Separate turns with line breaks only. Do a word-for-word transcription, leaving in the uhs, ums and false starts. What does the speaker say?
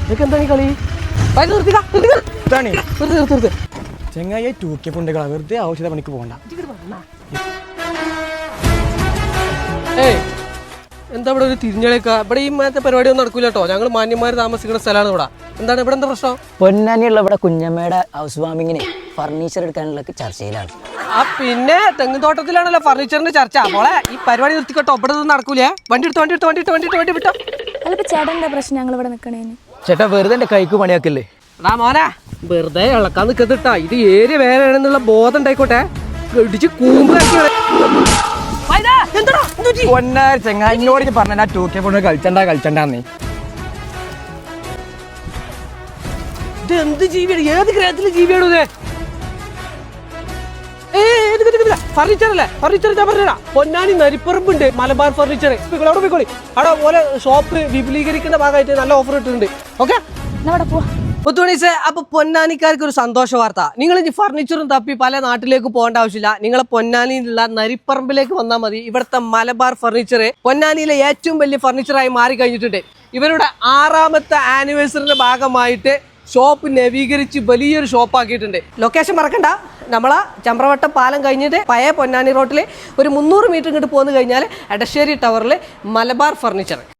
ഇതൊക്കെ എന്താണ് ഈ കളി? ചെങ്ങായി ടൂക്കെ പുണ്ടുകളാ, വെറുതെ ആവശ്യത പണിക്ക് പോകണ്ട. ഏയ് എന്താ ഇവിടെ ഒരു തിരിഞ്ഞളിക്ക? ഇവിടെ ഈ മറ്റേ പരിപാടി ഒന്നും നടക്കൂല കേട്ടോ. ഞങ്ങൾ മാന്യന്മാർ താമസിക്കുന്ന സ്ഥലമാണ് ഇവിടെ. എന്താണ് ഇവിടെ എന്താ പ്രശ്നം?
പൊന്നാനിയുള്ള ഇവിടെ കുഞ്ഞമ്മയുടെ ഹൗസ് വാമിങ്ങിന് ഫർണിച്ചർ എടുക്കാനുള്ള ചർച്ചയിലാണ്.
ആ പിന്നെ തെങ്ങും തോട്ടത്തിലാണല്ലോ ഫർണിച്ചറിന്റെ ചർച്ച. മോളെ ഈ പരിപാടി നിർത്തിക്കോട്ടോ, ഇവിടെ ഒന്നും നടക്കൂലേ. വണ്ടി എടുത്ത് വണ്ടി എടുത്ത് വണ്ടി എടുത്ത് വണ്ടി എടുത്ത് വണ്ടി വിട്ടോ.
അല്ലപ്പോ ചേട്ടൻ എന്താ പ്രശ്നം ഞങ്ങൾ ഇവിടെ നിൽക്കണേന്?
ചേട്ടാ വെറുതെ എന്റെ കൈക്ക് പണിയാക്കല്ലേ.
എടാ മോനെ വെറുതെ ഇളക്കാൻ നിൽക്കത്തിട്ടാ. ഇത് ഏരിയ വേറെയാണെന്നുള്ള ബോധം ഉണ്ടായിക്കോട്ടെ. ഇടിച്ച് കൂമ്പാക്കി
പൊന്നാർ ചെങ്ങായിനോട് പറഞ്ഞ ടൂക്കെ കൊണ്ട് കളിച്ചണ്ട കളിച്ചണ്ടെന്നേ.
ഇത് എന്ത് ജീവിയാണ്? ഏത് ഗ്രഹത്തിലെ ജീവിയാണോ ഇത്? ഫർണിച്ചർ അല്ലേ? ഫർണിച്ചർ ഞാൻ പറഞ്ഞാ പൊന്നാനി നരിപ്പറമ്പുണ്ട് മലബാർ ഫർണിച്ചർ. അവിടെ പോയിക്കോളി. അവിടെ പോലെ ഷോപ്പ് വിപുലീകരിക്കുന്ന ഭാഗമായിട്ട് നല്ല ഓഫർ ഇട്ടിട്ടുണ്ട്. ഓക്കെ പുത്തുണീസേ, അപ്പൊ പൊന്നാനിക്കാർക്ക് ഒരു സന്തോഷ വാർത്ത. നിങ്ങൾ ഇനി ഫർണിച്ചറും തപ്പി പല നാട്ടിലേക്ക് പോകേണ്ട ആവശ്യമില്ല. നിങ്ങളെ പൊന്നാനിയിലുള്ള നരിപ്പറമ്പിലേക്ക് വന്നാൽ മതി. ഇവിടുത്തെ മലബാർ ഫർണിച്ചർ പൊന്നാനിയിലെ ഏറ്റവും വലിയ ഫർണിച്ചറായി മാറി കഴിഞ്ഞിട്ടുണ്ട്. ഇവരുടെ ആറാമത്തെ ആനിവേഴ്സറിന്റെ ഭാഗമായിട്ട് ഷോപ്പ് നവീകരിച്ച് വലിയൊരു ഷോപ്പ് ആക്കിയിട്ടുണ്ട്. ലൊക്കേഷൻ മറക്കണ്ട, നമ്മളെ ചമ്പ്രവട്ടം പാലം കഴിഞ്ഞിട്ട് പഴയ പൊന്നാനി റോട്ടിൽ ഒരു മുന്നൂറ് മീറ്റർ ഇങ്ങോട്ട് പോന്നു കഴിഞ്ഞാൽ എടശ്ശേരി ടവറിൽ മലബാർ ഫർണിച്ചർ.